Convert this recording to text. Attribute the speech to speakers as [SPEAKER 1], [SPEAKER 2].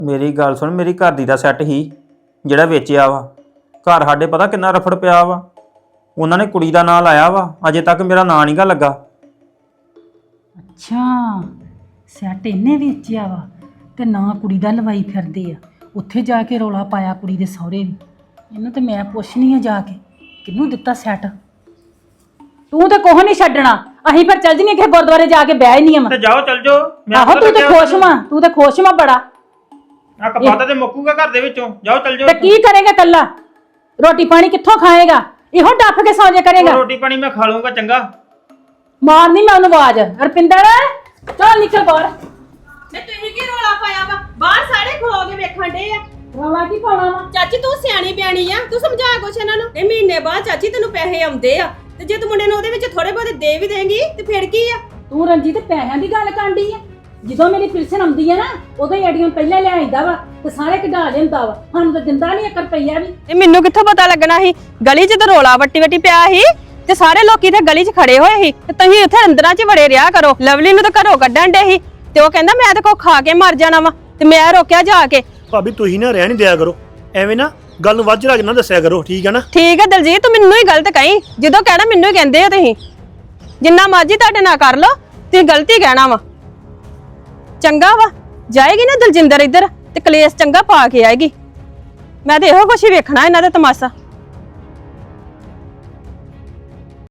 [SPEAKER 1] ਮੇਰੀ ਗੱਲ ਸੁਣ, ਮੇਰੀ ਘਰ ਦੀ ਦਾ ਸੈੱਟ ਹੀ ਜਿਹੜਾ ਵੇਚਿਆ ਵਾ। ਘਰ ਸਾਡੇ ਪਤਾ ਕਿੰਨਾ ਰਫੜ ਪਿਆ ਵਾ। ਉਹਨਾਂ ਨੇ ਕੁੜੀ ਦਾ ਨਾਂ ਲਾਇਆ ਵਾ, ਅਜੇ ਤੱਕ ਮੇਰਾ ਨਾਂ ਨਹੀਂਗਾ ਲੱਗਾ।
[SPEAKER 2] ਅੱਛਾ, ਸੈੱਟ ਇਹਨੇ ਵੇਚਿਆ ਵਾ ਤੇ ਨਾ ਕੁੜੀ ਦਾ ਲਵਾਈ ਫਿਰਦੇ ਆ। ਉੱਥੇ ਜਾ ਕੇ ਰੌਲਾ ਪਾਇਆ ਕੁੜੀ ਦੇ ਸਹੁਰੇ ਵੀ। ਇਹਨੂੰ ਤੇ ਮੈਂ ਪੁੱਛਣੀ ਆ ਜਾ ਕੇ ਕਿਹਨੂੰ ਦਿੱਤਾ ਸੈੱਟ। ਤੂੰ ਤੇ ਕੋਹ ਨਹੀਂ ਛੱਡਣਾ, ਅਸੀਂ ਫਿਰ ਚੱਲ ਜੀਏ ਕਿ ਗੁਰਦੁਆਰੇ ਜਾ ਕੇ ਬਹਿ ਹੀ ਨਹੀਂ ਆ।
[SPEAKER 1] ਤੇ ਜਾਓ ਚੱਲ ਜਾਓ।
[SPEAKER 2] ਆਹੋ ਤੂੰ ਤੇ ਖੁਸ਼ ਵਾਂ, ਤੂੰ ਤੇ ਖੁਸ਼ ਵਾਂ ਬੜਾ।
[SPEAKER 1] ਆ ਕਪਾਤਾ ਤੇ ਮੁੱਕੂਗਾ ਘਰ ਦੇ ਵਿੱਚੋਂ। ਜਾਓ ਚੱਲ ਜਾਓ।
[SPEAKER 2] ਤੇ ਕੀ ਕਰੇਗਾ ਕੱਲਾ? ਰੋਟੀ ਪਾਣੀ ਕਿੱਥੋਂ ਖਾਏਗਾ? ਇਹੋ ਡੱਫ ਕੇ ਸੌਂ ਜਾ ਕਰੇਗਾ।
[SPEAKER 1] ਰੋਟੀ ਪਾਣੀ ਮੈਂ ਖਾ ਲੂੰਗਾ ਚੰਗਾ।
[SPEAKER 2] ਮਾਰਨੀ ਮੈਂ ਉਹਨੂੰ ਆਵਾਜ਼। ਰਪਿੰਦਰ ਚੱਲ ਨਿਕਲ ਬਾਹਰ।
[SPEAKER 3] ਤੇ ਤੁਸੀਂ ਕੀ ਰੋਲਾ ਪਾਇਆ ਵਾ? ਬਾਹਰ ਸਾਰੇ ਖਲੋ ਕੇ ਵੇਖਣ ਡੇ ਆ।
[SPEAKER 2] ਰੌਲਾ ਕੀ ਪਾਉਣਾ ਵਾ?
[SPEAKER 3] ਚਾਚੀ ਤੂੰ ਸਿਆਣੀ ਬਿਆਣੀ ਆ, ਤੂੰ ਸਮਝਾ ਕੁਛ ਇਹਨਾਂ ਨੂੰ। ਇਹ ਮਹੀਨੇ ਬਾਅਦ ਚਾਚੀ ਤੈਨੂੰ ਪੈਸੇ ਆਉਂਦੇ ਆ, ਤੇ ਜੇ ਤੂੰ ਮੁੰਡੇ ਨੂੰ ਉਹਦੇ ਵਿੱਚ ਥੋੜੇ ਬਹੁਤੇ ਦੇ ਵੀ ਦੇਂਗੀ ਤੇ ਫਿਰ ਕੀ ਆ?
[SPEAKER 2] ਤੂੰ ਰਣਜੀਤ ਪੈਸਿਆਂ ਦੀ ਗੱਲ ਕਰਦੀ ਆ। ਜਦੋਂ ਮੇਰੀ ਪਿਲਸਨ ਆਉਂਦੀ ਆ ਨਾ ਉਦੋਂ ਹੀ ਐਡੀਆਂ ਪਹਿਲਾਂ ਲਿਆਈਦਾ ਵਾ ਤੇ ਸਾਰੇ ਕਢਾ ਲੈਂਦਾ ਵਾ। ਸਾਨੂੰ ਤਾਂ ਦਿੰਦਾ ਨਹੀਂ 1 ਰੁਪਈਆ ਵੀ।
[SPEAKER 3] ਇਹ ਮੈਨੂੰ ਕਿੱਥੋਂ ਪਤਾ ਲੱਗਣਾ ਸੀ? ਗਲੀ 'ਚ ਤਾਂ ਰੋਲਾ ਵੱਟੀ ਪਿਆ ਸੀ ਤੇ ਸਾਰੇ ਲੋਕੀ ਤੇ ਗਲੀ 'ਚ ਖੜੇ ਹੋਏ ਸੀ ਤੇ ਤੁਸੀਂ ਉੱਥੇ ਅੰਦਰਾਂ 'ਚ ਵੜੇ ਰਿਹਾ ਕਰੋ। ਲਵਲੀ ਨੂੰ ਤਾਂ ਘਰੋਂ ਕੱਢਣ ਡੇ ਸੀ ਤੇ ਉਹ ਕਹਿੰਦਾ ਮੈਂ ਤਾਂ ਕੋ ਖਾ ਕੇ ਮਰ ਜਾਣਾ ਵਾ ਤੇ ਮੈਂ ਰੋਕਿਆ ਜਾ ਕੇ।
[SPEAKER 4] ਭਾਬੀ ਤੁਸੀਂ ਨਾ ਰਹਿ ਨਹੀਂ ਦਿਆ ਕਰੋ ਐਵੇਂ ਨਾ, ਗੱਲ ਨੂੰ ਵੱਜ ਰੱਜ ਨਾ ਦੱਸਿਆ ਕਰੋ, ਠੀਕ ਹੈ ਨਾ?
[SPEAKER 3] ਠੀਕ ਹੈ ਦਲਜੀਤ, ਤੂੰ ਮੈਨੂੰ ਹੀ ਗਲਤ ਕਹੀਂ। ਜਦੋਂ ਕਹਿਣਾ ਮੈਨੂੰ ਹੀ ਕਹਿੰਦੇ ਆ ਤੁਸੀਂ। ਜਿੰਨਾ ਮਰਜ਼ੀ ਤੁਹਾਡੇ ਨਾਲ ਕਰ ਲੋ, ਤੁਸੀਂ ਗਲਤੀ ਕਹਿਣਾ ਵਾ। ਚੰਗਾ ਵਾ, ਜਾਏਗੀ ਨਾ ਦਲਜਿੰਦਰ ਇੱਧਰ ਤੇ ਕਲੇਸ਼ ਚੰਗਾ ਪਾ ਕੇ ਆਏਗੀ। ਮੈਂ ਤੇ ਇਹੋ ਕੁਛ ਹੀ ਵੇਖਣਾ ਇਹਨਾਂ ਦਾ ਤਮਾਸ਼ਾ।